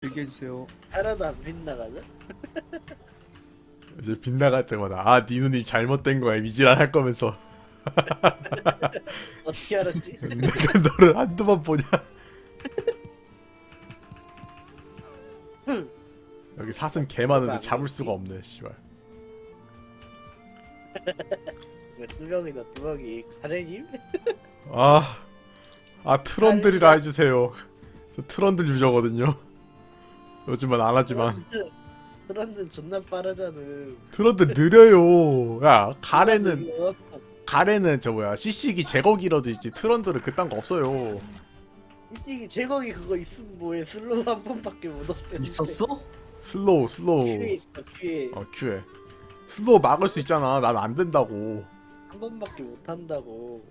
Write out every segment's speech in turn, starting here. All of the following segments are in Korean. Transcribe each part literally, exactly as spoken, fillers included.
얘기해주세요. 하나도 안 빗나가죠? 이제 빗나갈 때마다 아 니누님 잘못된 거야 미지란 할 거면서 어떻게 알았지? 내가 너를 한두 번 보냐. 여기 사슴 개 많은데 잡을 수가 없네 씨발. 두 명이다 두 명이 가래님? 아, 아 트런들이라 해주세요. 저 트런들 유저거든요. 요즘은 안 하지만 트런드는 존나 빠르잖아. 트런들 느려요. 야 가래는 가래는 저 뭐야 씨씨기 제거기라도 있지. 트런들은 그딴 거 없어요. 일찍이 제거기 그거 있으면 뭐해. 슬로우 한 번밖에 못 없애는데. 있었어? 슬로우 슬로우 큐에 있어 큐에 어 큐에 슬로우 막을 수 있잖아. 난 안 된다고. 한 번밖에 못 한다고.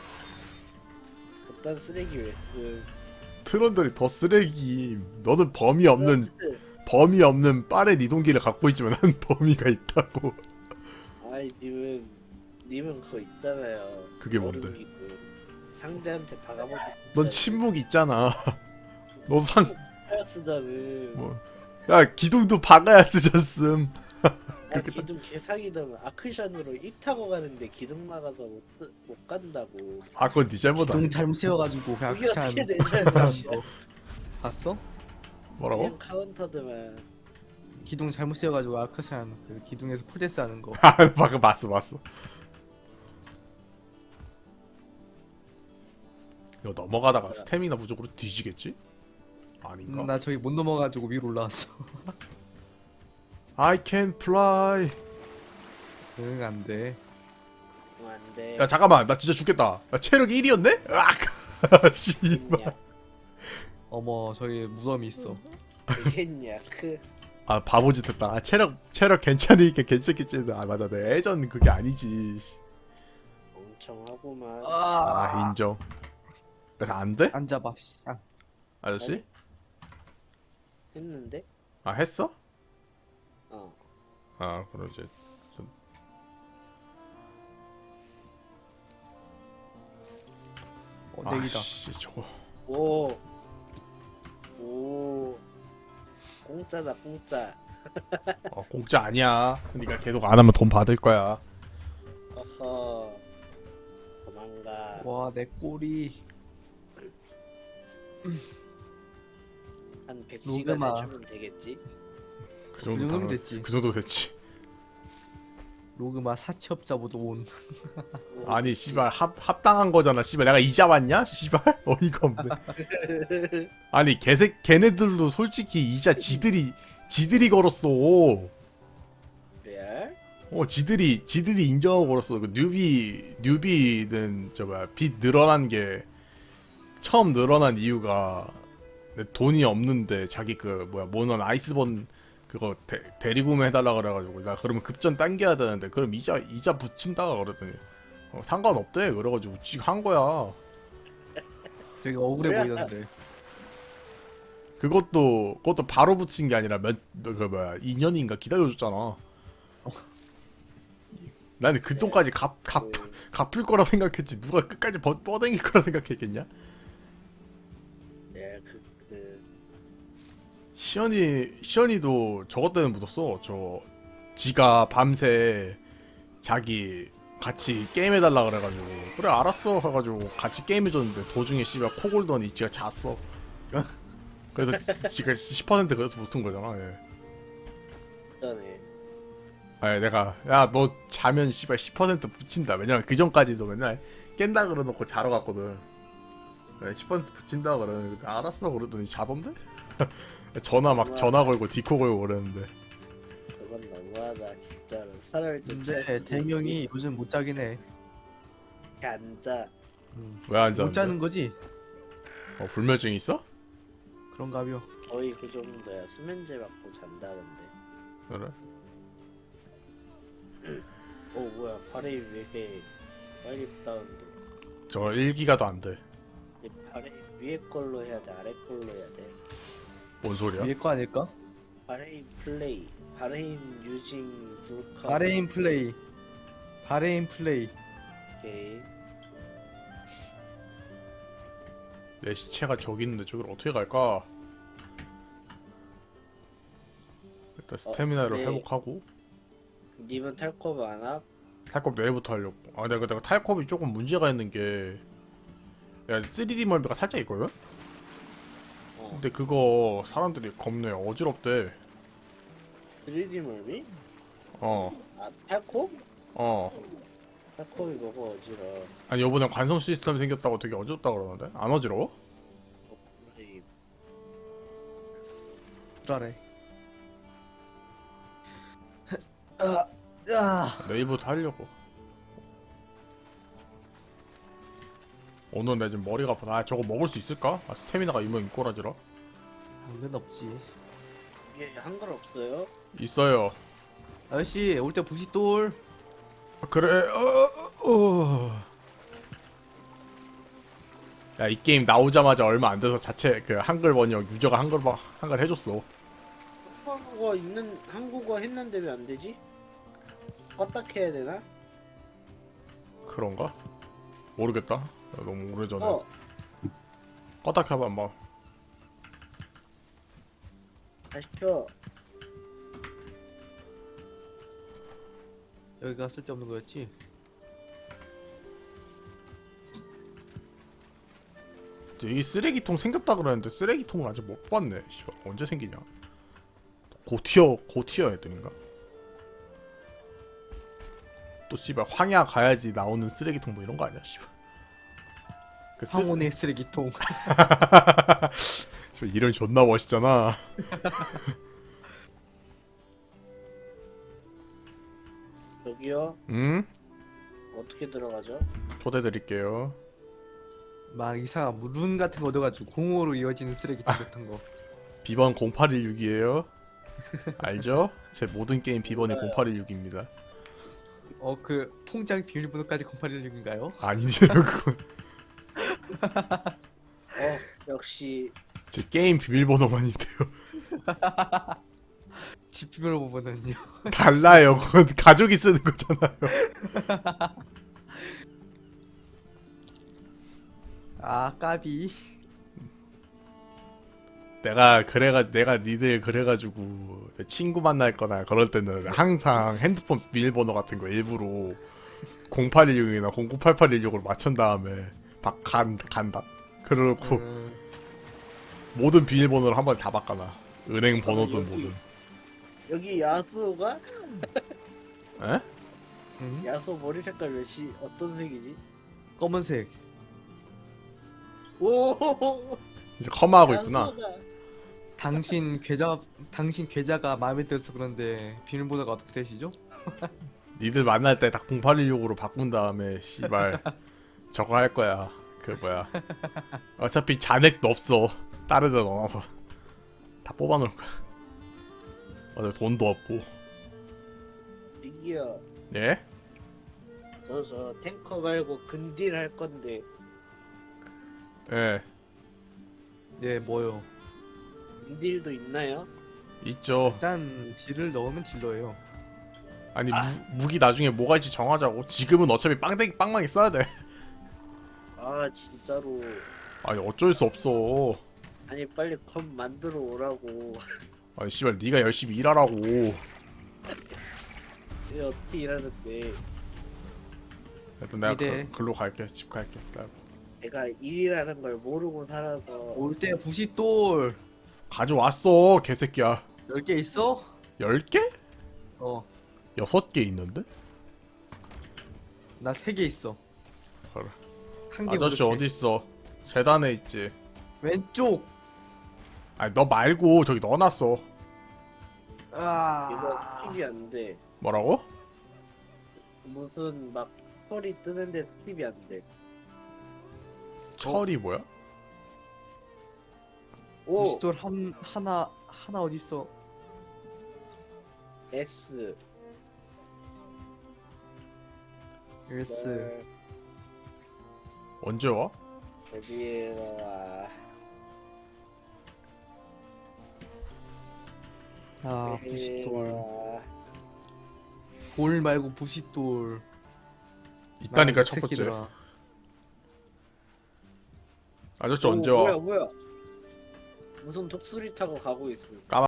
그딴 쓰레기 왜 쓰? 트런들이 더 쓰레기. 너는 범위 없는 범위 없는 빠른 이동기를 갖고 있지만 난 범위가 있다고. 아이 님은 님은 그거 있잖아요. 그게 뭔데? 얼음기구. 상대한테 박아먹고. 넌 침묵 있잖아. 너 상, 야 쓰잖아. 뭐. 야, 기둥도 박아야 쓰셨음. 아, 그렇게 기둥 개사기든 아크션으로 입 타고 가는데 기둥 막아서 못, 쓰- 못 간다고. 아, 그건 네 잘못 기둥 아니야. 잘못 세워가지고 그냥 그게 그냥 어떻게 내 잘못이야? 봤어? 뭐라고? 그냥 카운터드만. 기둥 잘못 세워가지고 아크샨 그 기둥에서 풀데스 하는 거. 아, 방금 봤어, 봤어. 이거 넘어가다가 스태미나 부족으로 뒤지겠지? 아닌가? 음, 나 저기 못 넘어가지고 위로 올라왔어. I can fly. 응 안돼. 어, 안 돼. 야, 잠깐만. 나 진짜 죽겠다. 야, 체력 일이었네? 으악! 씨발. 어머 저기 무덤이 있어. 되겠냐? 그 아, 바보짓 했다. 아, 체력, 체력 괜찮으니까 괜찮겠지. 아, 맞아. 내 예전 그게 아니지. 엄청 하고만. 아, 인정. 그래서 안 돼? 안 잡아. 씨. 아, 아저씨? 아니. 했는데? 아, 했어? 어. 아, 그럼 이제 좀... 어 내기다. 아씨, 저거. 오. 오. 공짜다 공짜. 어, 공짜 아니야. 그러니까 계속 안 하면 돈 받을 거야. 어허. 도망가. 와 내 꼬리. 한 백 시간 로그마. 해주면 되겠지? 그 그 정도 정도면 당연- 됐지. 그 정도 됐지. 로그마 사채업자 모두 온. 오, 아니, 그치. 씨발 합 합당한 거잖아. 씨발 내가 이자 받냐? 씨발 어이가 없네. 아니, 걔새 걔네들도 솔직히 이자 지들이 지들이 걸었어. 레알? 어, 지들이 지들이 인정하고 걸었어. 그 뉴비 뉴비는 저 뭐야 빚 늘어난 게 처음 늘어난 이유가 내 돈이 없는데 자기 그 뭐야 모넌 아이스본 그거 대, 대리구매 해달라 그래가지고 나 그러면 급전 당겨야 되는데 그럼 이자 이자 붙인다 그러더니 어, 상관없대 그래가지고 지금 한 거야. 되게 억울해 뭐야? 보이던데. 그것도 그것도 바로 붙인 게 아니라 몇 그 뭐야 이 년인가 기다려줬잖아. 나는 그 돈까지 갚, 갚, 그, 갚을 거라 생각했지 누가 끝까지 뻗, 뻗댕길 거라 생각했겠냐? 레알 그, 그 시연이 시연이도 저것 때문에 묻었어. 저 지가 밤새 자기 같이 게임 해달라 그래가지고 그래 알았어 해가지고 같이 게임 해줬는데 도중에 씨발 코 골더니 지가 잤어. 그래서 지가 십 퍼센트 그래서 붙은 거잖아. 예. 전에 아니 내가 야 너 자면 씨발 십 퍼센트 붙인다. 왜냐면 그 전까지도 맨날 깬다 그러놓고 자러 갔거든. 네, 십 퍼센트 붙인다 그러는데 알았어 그러더니 자던데? 전화 막 전화 걸고 디코 걸고 그랬는데. 그건 너무하다 진짜로. 사람을 좀 근데 대명이 요즘 못 자긴 해. 앉아. 왜 안 못 자는데? 자는 거지? 어, 불면증 있어? 그런가벼. 거의 그 정도야. 수면제 맞고 잔다던데. 그래? 어 뭐야 발에 왜 빨리 다운데. 저거 일 기가도 안 돼. 발에 위에 걸로 해야 돼 아래 걸로 해야 돼. 뭔 소리야? 위에 거 아닐까? 바레인 플레이 바레인 유징 굴카. 바레인 플레이. 바레인 플레이. 오케이. 내 시체가 저기 있는데 저기를 어떻게 갈까? 일단 스태미나를 네. 회복하고 님은 탈컵 안 함? 탈컵 내일부터 하려고. 아 내가 내가 탈컵이 조금 문제가 있는 게 야 쓰리디 멀미가 살짝 있거든? 어. 근데 그거 사람들이 겁내 어지럽대. 쓰리디 멀미? 어 아 탈컵? 어. 탈컵이 뭐가 어지러? 아니 요번에 관성 시스템 생겼다고 되게 어지럽다 그러는데? 안 어지러워? 어, 선생님. 불안해. 아, 아. 내일부터 하려고. 오늘 내 지금 머리가 아파. 아 저거 먹을 수 있을까? 아 스태미나가 이면 이꼬라지라. 당근 없지. 이게 한글 없어요? 있어요. 아저씨 올 때 부싯돌. 아, 그래. 어, 어. 야 이 게임 나오자마자 얼마 안 돼서 자체 그 한글 번역 유저가 한글 봐 한글 해줬어. 한국어 있는 한국어 했는데 왜 안 되지? 껐다 해야 되나? 그런가? 모르겠다. 야, 너무 오래전에. 어, 껐다 켜봐 한번. 다시 펴. 여기가 쓸데없는 거였지? 여기 쓰레기통 생겼다 그러는데 쓰레기통을 아직 못 봤네. 씨발 언제 생기냐? 고티어 고티어 애들인가? 또 씨발 황야 가야지 나오는 쓰레기통 뭐 이런 거 아니야? 씨발. 그 쓰... 황혼의 쓰레기통. 저 이름 존나 멋있잖아. 여기요. 응? 어떻게 들어가죠? 초대 드릴게요. 막 이상한 무룬 같은 거 얻어가지고 공으로 이어지는 쓰레기통 같은 거. 비번 공팔일육이에요. 알죠? 제 모든 게임 비번이 공팔일육입니다. 어 그 통장 비밀번호까지 공팔일육인가요? 아니요 그건 어, 역시 제 게임 비밀번호만인데요. 집 비밀번호는요? 달라요. 그건 가족이 쓰는 거잖아요. 아 까비. 내가 그래가 내가 니들 그래가지고 내 친구 만날 거나 그럴 때는 항상 핸드폰 비밀번호 같은 거 일부러 공팔일육이나 공구팔팔일육으로 맞춘 다음에 박 간, 간다. 그러고 음, 모든 비밀번호를 한 번에 다 바꿔놔. 은행 번호든 여기- 뭐든. 여기 야수가 에? 음? 야수 머리 색깔 몇이 어떤 색이지? 검은색. 오, 이제 커마하고 있구나. 야수가. 당신 계좌 당신 계좌가 마음에 들어서 그런데 비밀번호가 어떻게 되시죠? 니들 만날 때 다 공팔일육으로 바꾼 다음에 씨발 저거 할 거야. 그 뭐야. 어차피 잔액도 없어. 다른 데 넣어놔서 다 뽑아놓을 거야. 어차피 돈도 없고. 이기요. 예? 저 저 탱커 말고 근딜 할 건데 예. 네 뭐요? 근딜도 있나요? 있죠. 일단 딜을 넣으면 딜러예요. 아니 무, 무기 나중에 뭐가 있지 정하자고. 지금은 어차피 빵댕이 빵망이 써야 돼. 아 진짜로. 아니 어쩔 수 없어. 아니 빨리 컴 만들어 오라고. 아니 씨발 네가 열심히 일하라고. 이게 어떻게 일하는데 일단 내가 이래. 그, 글로 갈게. 집 갈게. 기다려. 내가 일이라는 걸 모르고 살아서. 올 때 부싯돌 가져왔어 개새끼야. 열 개 있어? 열 개? 어, 여섯 개 있는데? 나 세 개 있어. 그래. 한 개 아저씨 부족해. 어디 있어? 재단에 있지. 왼쪽. 아니 너 말고 저기 넣어놨어. 아. 이거 스킵이 안 돼. 뭐라고? 무슨 막 털이 뜨는데 스킵이 안 돼. 철이 뭐야? 오 부싯돌 한 하나 하나 어디 있어? S S. 언제 와? 데뷔라 아 네. 부싯돌. 돌 말고 부싯돌. 있다니까 아, 첫 번째. 새끼들아. 아저씨 언제 와? 뭐야 뭐야 무슨 독수리 타고 가고 있어.